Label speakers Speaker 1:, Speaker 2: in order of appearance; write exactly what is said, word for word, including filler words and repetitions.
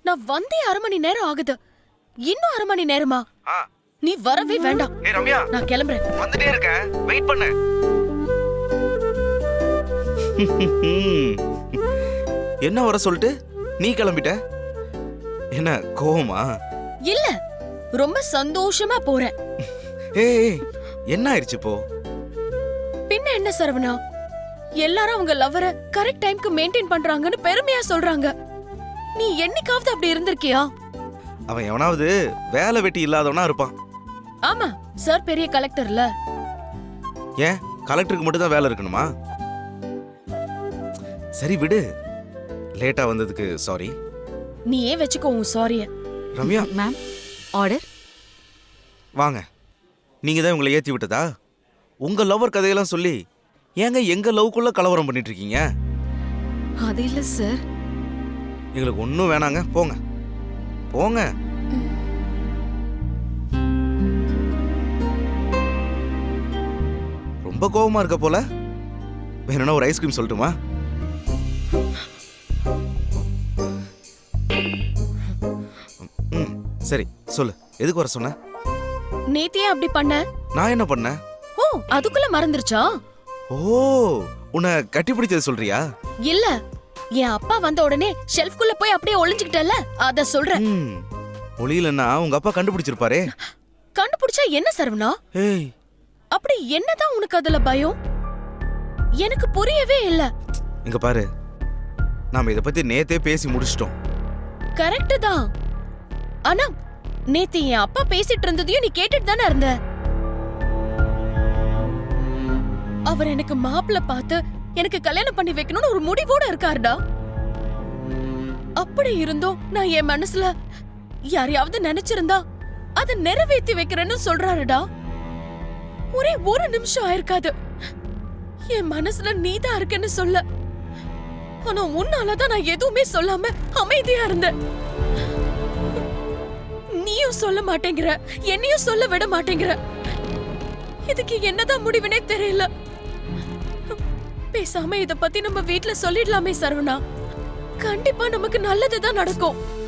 Speaker 1: நான் வந்தே அரை மணி நேரம் ஆகுது. இன்னும் அரை மணி நேரமா?
Speaker 2: ஆ
Speaker 1: நீ வரவே வேண்டாம்.
Speaker 2: ஏய் ரம்யா,
Speaker 1: நான் கிளம்புறேன்.
Speaker 2: வந்துட்டே இருக்கேன், வெயிட் பண்ணு. என்ன வர சொல்லிட்டு நீ கிளம்பிட்ட? என்ன கோவமா?
Speaker 1: இல்ல, ரொம்ப சந்தோஷமா போறேன்.
Speaker 2: ஏய் என்ன ஆயிடுச்சு இப்போ?
Speaker 1: பின்ன என்ன சரவணா, எல்லாரும் அவங்க லவ்வர கரெக்ட் டைம்க்கு மெயின்டைன் பண்றாங்கன்னு பெருமையா சொல்றாங்க. நீ என்னைக்காவது அப்படி இருந்திருக்கியா?
Speaker 2: அவன் எவனாவது வேலை வெட்டி இல்லாதவனா இருப்பான்.
Speaker 1: ஆமா, சார் பெரிய கலெக்டர்ல.
Speaker 2: ஏன் கலெக்டருக்கு மட்டும் தான் வேலை இருக்கணுமா? சரி விடு, லேட்டா வந்ததுக்கு சாரி.
Speaker 1: நீ ஏன் வச்சுக்கோ உன் சாரிய.
Speaker 2: Ramya
Speaker 3: ma'am, order.
Speaker 2: வாங்க. நீங்க தான் உங்களை ஏத்தி விட்டதா? உங்க லவர் கதையெல்லாம் சொல்லி ஏங்க எங்க லவ்க்குள்ள கலவரம் பண்ணிட்டு இருக்கீங்க?
Speaker 3: அது இல்ல சார்.
Speaker 2: எங்களுக்கு ஒன்றும் வேணாங்க, போங்க போங்க. ரொம்ப கோவமா இருக்க போல. வேணும்னா ஒரு ஐஸ்கிரீம் சொல்லட்டுமா? ம் சரி சொல்லு, எதுக்கு வர சொன்ன?
Speaker 1: நேத்தியே அப்படி பண்ண?
Speaker 2: நான் என்ன பண்ணேன்?
Speaker 1: ஓ, அதுக்குள்ள மறந்துருச்சா?
Speaker 2: ஓ, உன்னை கட்டி பிடிச்சது சொல்றியா?
Speaker 1: இல்ல, என் அப்பா வந்த உடனே ஷெல்ஃப்குள்ள போய் அப்படியே ஒளிஞ்சுக்கிட்டல, அத சொல்றேன்.
Speaker 2: ம், ஒளியிலன்னா உங்க அப்பா கண்டுபிடிச்சிருப்பாரே.
Speaker 1: கண்டுபிடிச்சா என்ன சரவணா?
Speaker 2: ஏய்,
Speaker 1: அப்படி என்னதான் உனக்கு அதுல பயம்? எனக்கு புரியவே இல்ல.
Speaker 2: இங்க பாரு, நாம இத பத்தி நேத்தே பேசி முடிச்சிட்டோம்.
Speaker 1: கரெக்ட் தான். ஆனா நேத்து என் அப்பா பேசிட்டு இருந்ததையும் நீ கேட்டுட்டு தானே இருந்த. அவர் எனக்கு மாப்பிள்ள பார்த்து எனக்கு கல்யாணம் பண்ணி வைக்கணும்னு ஒரு முடிவோட இருக்காருடா. அப்படி இருந்தோம் நான் என் மனசுல யாரையாவது நினைச்சிருந்தா அதை நிறைவேற்றி வைக்கிறேன்னு சொல்றாருடா. ஒரே ஒரு நிமிஷம் ஆயிருக்காது என் மனசுல நீதான் இருக்கேன்னு சொல்ல. ஆனா உன்னாலதான் நான் எதுவுமே சொல்லாம அமைதியா இருந்தேன். நீயும் சொல்ல மாட்டேங்கிற, என்னையும் சொல்ல விட மாட்டேங்கிற. இதுக்கு என்னதான் முடிவுனே தெரியல. பேசாம இத பத்தி நம்ம வீட்ல சொல்லிடலாமே சரவணா. கண்டிப்பா நமக்கு நல்லதுதான் நடக்கும்.